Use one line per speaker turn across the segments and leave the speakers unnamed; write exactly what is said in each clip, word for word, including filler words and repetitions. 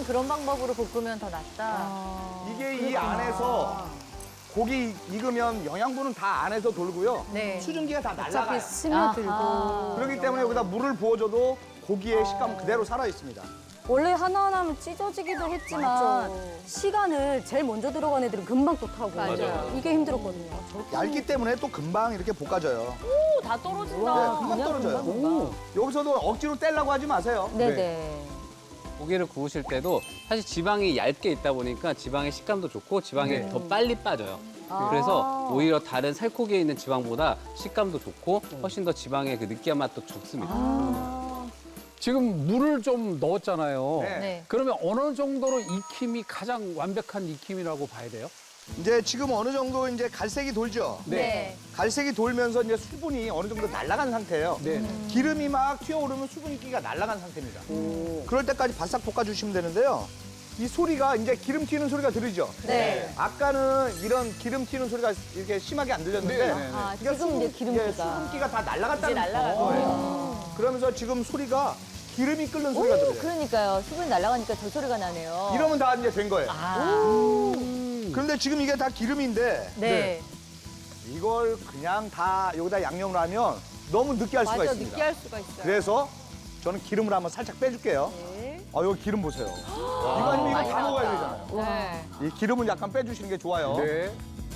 그런 방법으로 볶으면 더 낫다.
아,
이게 이 안에서 고기 익으면 영양분은 다 안에서 돌고요.
네.
수증기가 다
어차피
날아가요.
스며들고.
그렇기 때문에 여기다 물을 부어줘도 고기의 식감은 그대로 살아 있습니다.
원래 하나하나는 찢어지기도 했지만
맞아.
시간을 제일 먼저 들어간 애들은 금방 또 타고.
맞아요.
이게 힘들었거든요.
얇기 때문에 또 금방 이렇게 볶아져요.
오, 다 떨어진다.
네, 금방
그냥
떨어져요.
금방,
오. 여기서도 억지로 떼려고 하지 마세요.
네네.
고기를 구우실 때도 사실 지방이 얇게 있다 보니까 지방의 식감도 좋고 지방이
네.
더 빨리 빠져요.
아.
그래서 오히려 다른 살코기에 있는 지방보다 식감도 좋고 훨씬 더 지방의 그 느끼한 맛도 좋습니다.
아.
지금 물을 좀 넣었잖아요.
네.
네.
그러면 어느 정도로 익힘이 가장 완벽한 익힘이라고 봐야 돼요?
이제 지금 어느 정도 이제 갈색이 돌죠.
네.
갈색이 돌면서 이제 수분이 어느 정도 날아간 상태예요.
네.
기름이 막 튀어오르면 수분기가 날아간 상태입니다. 그럴 때까지 바싹 볶아주시면 되는데요. 이 소리가 이제 기름 튀는 소리가 들리죠?
네.
아까는 이런 기름 튀는 소리가 이렇게 심하게 안 들렸는데
네, 네, 네.
아,
그러니까
지금 이제
수분-
기름기가.
예, 수분기가 다 날아갔다는
이제 날아가는
거예요. 그러면서 지금 소리가 기름이 끓는 소리가 들려요.
그러니까요. 수분이 날아가니까 저 소리가 나네요.
이러면 다 이제 된 거예요.
아.
그런데 지금 이게 다 기름인데
네.
이걸 그냥 다 여기다 양념을 하면 너무 느끼할 수가
맞아,
있습니다.
느끼할 수가 있어요.
그래서 저는 기름을 한번 살짝 빼줄게요.
네.
아, 여기 기름 보세요. 이거 아니면 이거 다 먹어야 되잖아요.
네.
이 기름을 약간 빼주시는 게 좋아요.
네.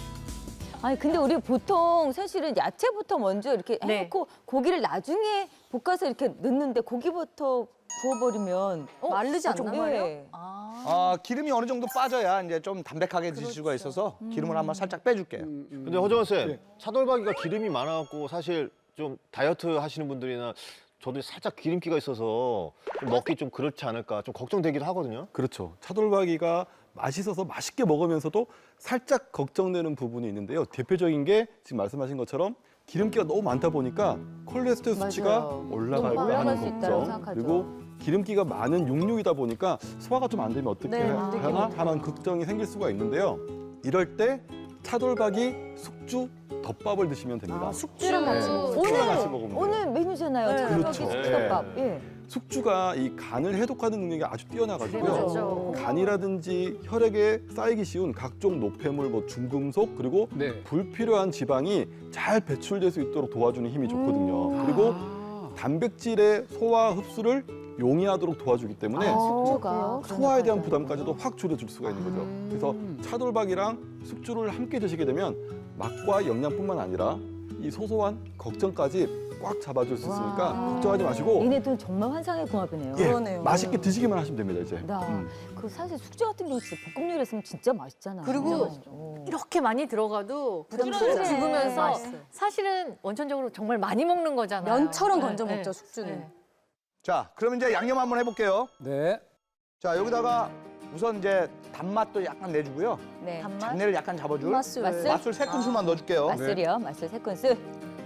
아니 근데 우리 보통 사실은 야채부터 먼저 이렇게
네.
해놓고 고기를 나중에 볶아서 이렇게 넣는데 고기부터 구워버리면 마르지
어,
않나요?
정말요?
네.
아.
아, 기름이 어느 정도 빠져야 이제 좀 담백하게 드실 수가 있어서 기름을 한번 살짝 빼줄게요.
근데 허정원 쌤, 차돌박이가 기름이 많아갖고 사실 좀 다이어트 하시는 분들이나 저도 살짝 기름기가 있어서 좀 먹기 좀 그렇지 않을까 좀 걱정되기도 하거든요.
그렇죠. 차돌박이가 맛있어서 맛있게 먹으면서도 살짝 걱정되는 부분이 있는데요. 대표적인 게 지금 말씀하신 것처럼 기름기가 너무 많다 보니까 콜레스테롤 수치가
맞아요.
올라갈까
올라갈
하는
수 있다고
걱정,
생각하죠.
그리고 기름기가 많은 육류이다 보니까 소화가 좀 안 되면 어떻게
네, 안 되긴
하나
하죠.
하는 걱정이 생길 수가 있는데요. 이럴 때 차돌박이 숙주 덮밥을 드시면 됩니다.
숙주랑 같이
네.
먹어요.
숙주랑
오늘
같이 먹으면 돼요.
오늘 메뉴잖아요.
네.
차돌박이
그렇죠.
숙주덮밥.
네.
예.
숙주가 이 간을 해독하는 능력이 아주 뛰어나가지고요.
그렇죠.
간이라든지 혈액에 쌓이기 쉬운 각종 노폐물, 뭐 중금속 그리고
네.
불필요한 지방이 잘 배출될 수 있도록 도와주는 힘이 좋거든요.
음.
그리고
아.
단백질의 소화 흡수를 용이하도록 도와주기 때문에
아, 숙주가
소화에 대한
그러니까요.
부담까지도 확 줄여줄 수가 있는 거죠.
음.
그래서 차돌박이랑 숙주를 함께 드시게 되면 맛과 영양뿐만 아니라 이 소소한 걱정까지 꽉 잡아줄 수 있으니까
와.
걱정하지 마시고
얘네들은 정말 환상의 궁합이네요.
예, 맛있게 드시기만 하시면 됩니다, 이제.
나,
음.
그 사실 숙주 같은 경우 진짜 볶음 요리 했으면 진짜 맛있잖아요.
그리고
진짜 맛있죠. 어.
이렇게 많이 들어가도
부담스러워.
부담스러워 죽으면서
맛있어요.
사실은 원천적으로 정말 많이 먹는 거잖아요.
면처럼
네,
건져
네.
먹죠, 숙주는.
네.
자, 그럼 이제 양념 한번 해볼게요.
네.
자, 여기다가 우선 이제 단맛도 약간 내주고요.
네.
단맛?
잡내를 약간 잡아줄
맛술.
맛술 세 큰술만 넣어줄게요.
맛술이요. 맛술 세 큰술.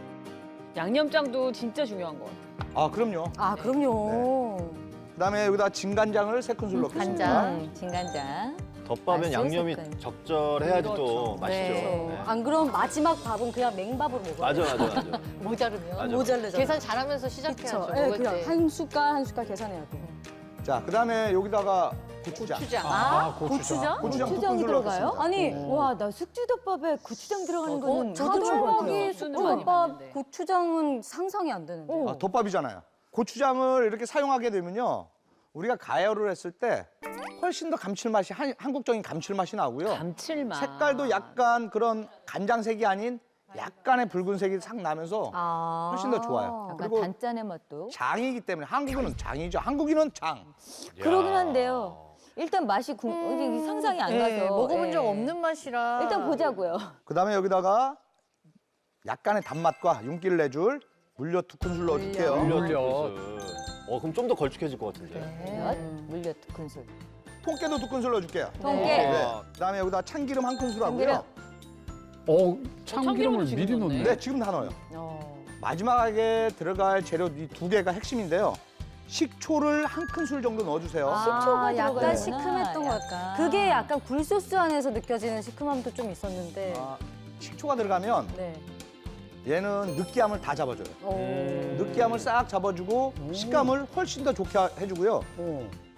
양념장도 진짜 중요한 것 같아요.
아, 그럼요.
아, 그럼요.
그다음에 여기다 진간장을 세 큰술 넣겠습니다.
간장.
음, 진간장.
덮밥엔
맛있을
양념이
거예요.
적절해야지 또
그렇죠.
맛있죠.
네.
네.
안 그럼 마지막 밥은 그냥 맹밥으로 먹어요.
맞아, 맞아, 맞아.
모자르면.
맞아.
모자르잖아요.
계산 잘하면서 시작해야죠.
그렇죠. 예,
먹을
그냥
때.
한 숟갈 한 숟갈 계산해야 돼요.
자, 그다음에 여기다가 고추장.
고추장.
아, 고추장.
고추장 두
고추장이
큰술
들어가요?
넣겠습니다.
아니, 와, 나 숙주덮밥에 고추장 들어가는 거는
저도
처음
처음
봤어요.
수는 많이
덮밥
봤는데.
고추장은 상상이 안 되는데.
아, 덮밥이잖아요. 고추장을 이렇게 사용하게 되면요. 우리가 가열을 했을 때 훨씬 더 감칠맛이 한, 한국적인 감칠맛이 나고요.
감칠맛.
색깔도 약간 그런 간장색이 아닌 약간의 붉은색이 싹 나면서
아.
훨씬 더 좋아요.
약간
그리고
단짠의 맛도.
장이기 때문에 한국인은 장이죠. 한국인은 장.
그러긴 한데요. 일단 맛이 궁, 이게 상상이 안 가서.
네, 먹어본 적
예.
없는 맛이라.
일단 보자고요.
그다음에 여기다가 약간의 단맛과 윤기를 내줄 물엿 두 큰술 넣어줄게요.
물엿.
어, 그럼 좀 더 걸쭉해질 것 같은데.
물엿, 물엿 두 큰술.
통깨도 두 큰술 넣어줄게요.
통깨.
네. 그다음에 여기다 참기름 한 큰술 하고요.
어, 참기름을
참기름을 지금
미리
넣네.
넣네.
네, 지금 다 넣어요.
어.
마지막에 들어갈 재료 이 두 개가 핵심인데요. 식초를 한 큰술 정도 넣어주세요.
식초가
약간
들어가는구나.
시큼했던 것
약간.
그게 약간 굴소스 안에서 느껴지는 시큼함도 좀 있었는데.
아, 식초가 들어가면
네.
얘는 느끼함을 다 잡아줘요.
오.
느끼함을 싹 잡아주고 식감을 훨씬 더 좋게 해주고요.
어.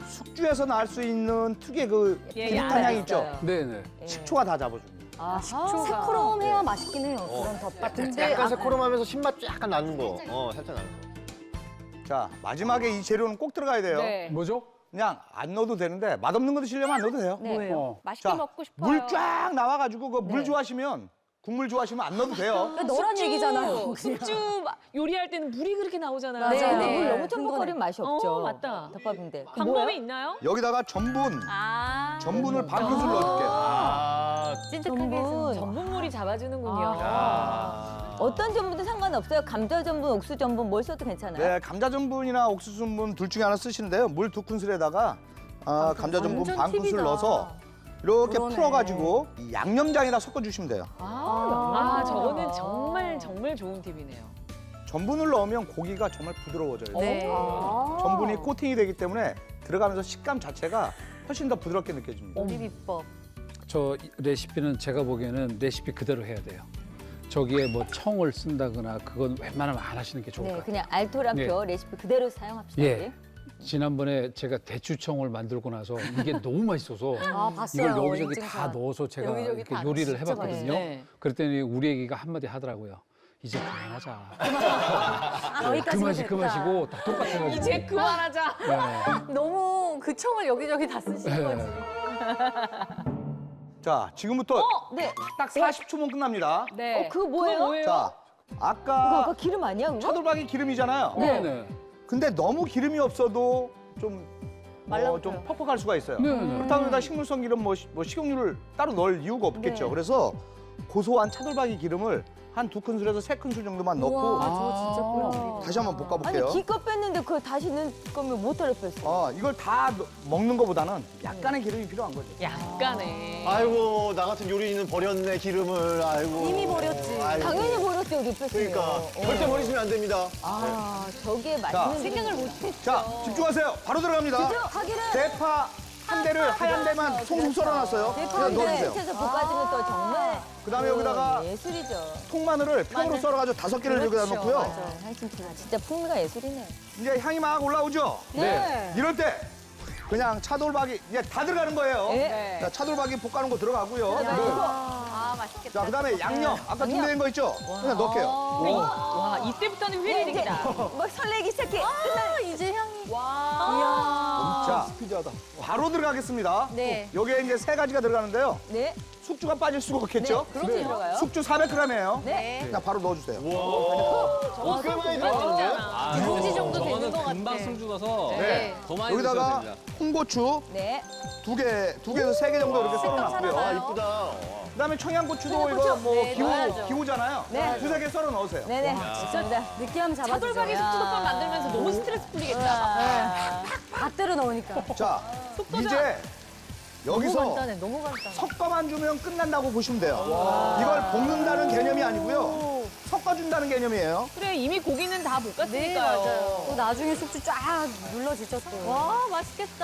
숙주에서 날 수 있는 특유의 그
예,
비릿한
예,
향이 있죠.
네네.
식초가 다 잡아줍니다.
아, 새콤해야 맛있긴 해요. 그런 덮밥 자체.
약간 새코름하면서 신맛 약간 나는 거. 어, 살짝 나는 거.
자, 마지막에 이 재료는 꼭 들어가야 돼요.
네.
뭐죠?
그냥 안 넣어도 되는데 맛없는 거 드시려면 안 넣어도 돼요.
네.
어.
맛있게
자,
먹고 싶어요.
물 쫙 나와가지고 그 물
네.
좋아하시면 국물 좋아하시면 안 넣어도 돼요.
너란 얘기잖아요.
숙주 마- 요리할 때는 물이 그렇게 나오잖아요.
네,
맞아요.
네.
물 너무
그거는-
첨벙거리면 맛이 없죠.
어, 맞다.
덮밥인데.
방법이 있나요?
여기다가 전분,
아.
전분을 반 큰술 넣어줄게요.
아,
찐득하게 해서.
전분.
전분물이 잡아주는군요.
야.
어떤 전분도 상관없어요. 감자 전분, 옥수 전분 뭘 써도 괜찮아요.
네, 감자 전분이나 옥수수 전분 둘 중에 하나 쓰시는데요. 물 두 큰술에다가 아, 감자 전분
완전
반 큰술
팁이다.
넣어서 이렇게
그러네.
풀어가지고 이 양념장에다 섞어주시면 돼요.
아,
아.
저거는 정말 정말 좋은 팁이네요.
전분을 넣으면 고기가 정말 부드러워져요.
네.
아.
전분이 코팅이 되기 때문에 들어가면서 식감 자체가 훨씬 더 부드럽게 느껴집니다.
요리 비법.
저 레시피는 제가 보기에는 레시피 그대로 해야 돼요. 저기에 뭐 청을 쓴다거나 그건 웬만하면 안 하시는 게 좋을
네,
것 같아요.
그냥 알토란표 레시피 그대로 사용합시다.
예.
우리.
지난번에 제가 대추청을 만들고 나서 이게 너무 맛있어서
아, 봤어요.
이걸 여기저기
인증샷.
다 넣어서 제가
여기저기
이렇게
다
요리를
진짜
해봤거든요.
네.
그랬더니 우리 애기가 한마디 하더라고요. 이제 그만하자.
여기까지는
그만시
됐다.
그만시고 다 똑같아가지고.
이제 그만하자.
네.
너무 그 청을 여기저기 다 쓰시는 거지.
자, 지금부터
네.
딱 사십 초면 끝납니다.
네.
어, 그거 뭐예요?
자,
그거
아까
아까 기름 아니야, 그거?
차돌박이 기름이잖아요.
네. 네.
근데 너무 기름이 없어도 좀, 어, 좀 퍽퍽할 수가 있어요.
네, 네.
그렇다고 해서 식물성 기름, 뭐, 시- 뭐 식용유를 따로 넣을 이유가 없겠죠. 그래서 고소한 차돌박이 기름을 한 두 큰술에서 세 큰술 정도만 넣고
우와, 저거 진짜 꿀팁이다.
다시 한번 볶아볼게요.
아니 기껏 뺐는데 그걸 다시 넣을 거면 못하려 뺐어.
어, 이걸 다 넣- 먹는 것보다는 약간의 기름이 필요한 거죠.
약간의.
아이고, 나 같은 요리인은 버렸네, 기름을. 아이고.
이미 버렸지.
아이고.
당연히 버렸죠, 여기 뺐으면.
그러니까. 절대 버리시면 안 됩니다.
아, 저게
자,
맛있는
생각을 못했죠.
자, 집중하세요. 바로 들어갑니다.
하기를
대파 한 대를 하얀 대만 송송 썰어놨어요. 그냥
대파를
넣어주세요.
밑에서 볶아주면 또 정말
그다음에 여기다가
예술이죠.
통마늘을 평으로 썰어가지고 다섯 개를 여기다 놓고요.
맞아, 한심치가 진짜 풍미가 예술이네.
이제 향이 막 올라오죠.
네.
이럴 때 그냥 차돌박이 이제 다 들어가는 거예요.
네.
자, 차돌박이 볶아놓은 거 들어가고요.
아, 맛있겠다.
자, 그다음에 양념 아까 준비된 거 있죠? 그냥 넣을게요.
와, 이때부터는
네, 이제
휘리릭이다.
막 설레기 시작해.
아, 이제 향이.
와.
자,
스피디하다.
바로 들어가겠습니다.
네.
여기에 이제 세 가지가 들어가는데요.
네.
숙주가 빠질 수가 없겠죠?
그렇죠. 들어가요.
숙주 사백 그램이에요.
네.
그냥 바로 넣어주세요.
와, 꽤 많이 들어갔는데?
아,
두 봉지 정도
저거는
되는 것 같아.
금방 숨 죽어서
네.
더 많이 드셔야
여기다가
됩니다.
홍고추
네.
두 개, 두 개에서 세 개 정도 이렇게 썰어놨고요.
아, 이쁘다.
그다음에 청양고추도 이거 뭐
네,
기호,
넣어야죠.
기호잖아요.
네.
두세 개 썰어 넣으세요.
네네.
진짜 느끼함 잡아주죠.
차돌박이 숙주덮밥 만들면서 너무 스트레스 풀리겠다.
아,
다 때려 넣으니까.
자, 이제
너무
여기서
간단해, 너무 간단해.
섞어만 주면 끝난다고 보시면 돼요. 이걸 볶는다는 개념이 아니고요. 섞어준다는 개념이에요.
그래, 이미 고기는 다 볶았으니까요.
네, 맞아요.
또 나중에 숙주 쫙 눌러지죠 또.
와, 맛있겠다.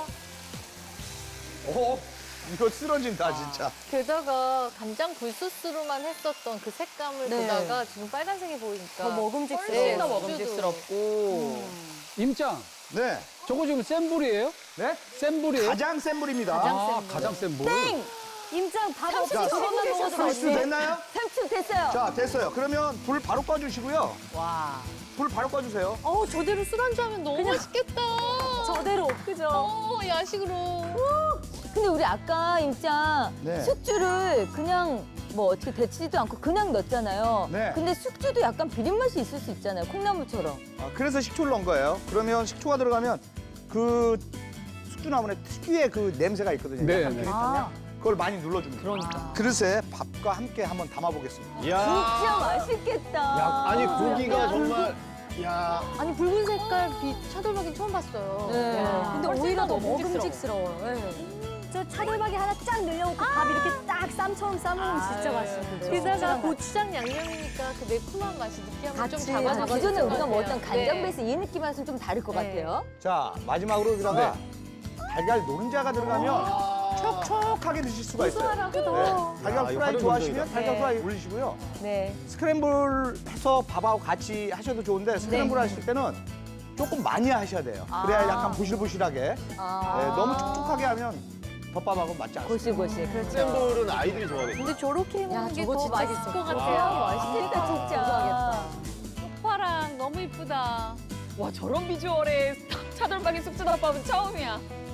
오, 이거 쓰러진다, 진짜.
게다가 간장 굴소스로만 했었던 그 색감을
네.
보다가 지금 빨간색이 보이니까
더 먹음직스러워.
훨씬
더
더
먹음직스럽고.
임장,
네.
저거 지금 센 불이에요?
네?
센 불이에요?
가장 센 불입니다.
아, 가장 센 불.
임장 밥 없이
자,
저것만 먹어도
삼십 초
맛있네.
됐나요?
삼십 됐어요.
자, 됐어요. 그러면 불 바로 꺼주시고요.
와.
불 바로 꺼주세요.
어우, 저대로 술안주하면 너무 맛있겠다.
저대로 그죠?
어, 야식으로.
근데 우리 아까 임장
네.
숙주를 그냥 뭐 어떻게 데치지도 않고 그냥 넣었잖아요.
네.
근데 숙주도 약간 비린 맛이 있을 수 있잖아요. 콩나물처럼.
아, 그래서 식초를 넣은 거예요. 그러면 식초가 들어가면 그 숙주나물의 특유의 그 냄새가 있거든요.
네,
약간
네.
비릿한 향. 그걸 많이 눌러줍니다.
그러니까.
그릇에 밥과 함께 한번 담아보겠습니다.
진짜
야
맛있겠다.
아니, 고기가 정말. 야
아니, 붉은 색깔 빛 차돌박이 처음 봤어요.
네.
와.
근데
훨씬
오히려 더
먹음직스러워.
먹음직스러워요. 네. 저 차돌박이 하나 쫙 늘려놓고 밥 이렇게 딱 쌈처럼 싸먹으면 진짜 맛있는데.
게다가 고추장 양념이니까 그 매콤한 맛이 느끼함을 좀
같이,
잡아서
같이.
기존에
맛있을
우리가
것
먹었던
같아요.
간장
네.
베이스 이 느낌 맛은 좀 다를 것
네.
같아요.
자, 마지막으로 여기다가 달걀 노른자가 들어가면 촉촉하게 드실 수가 있어요.
고소하라고
네.
더.
달걀
야, 이거
프라이
활용
좋아하시면
문제이다.
달걀
네.
프라이 올리시고요.
네.
스크램블 해서 밥하고 같이 하셔도 좋은데 스크램블 하실 때는 조금 많이 하셔야 돼요. 그래야 약간 부실부실하게.
아.
네, 너무 촉촉하게 하면 덮밥하고 맞지 않습니다.
고시고시. 그렇죠.
센볼은 아이들이 좋아하겠죠.
근데 저렇게 해 먹는 게
저거
더
진짜
맛있을 것 같아요.
와.
맛있겠다 진짜. 쪽파랑 너무 이쁘다.
와 저런 비주얼의 차돌박이 쑥주덮밥은 처음이야.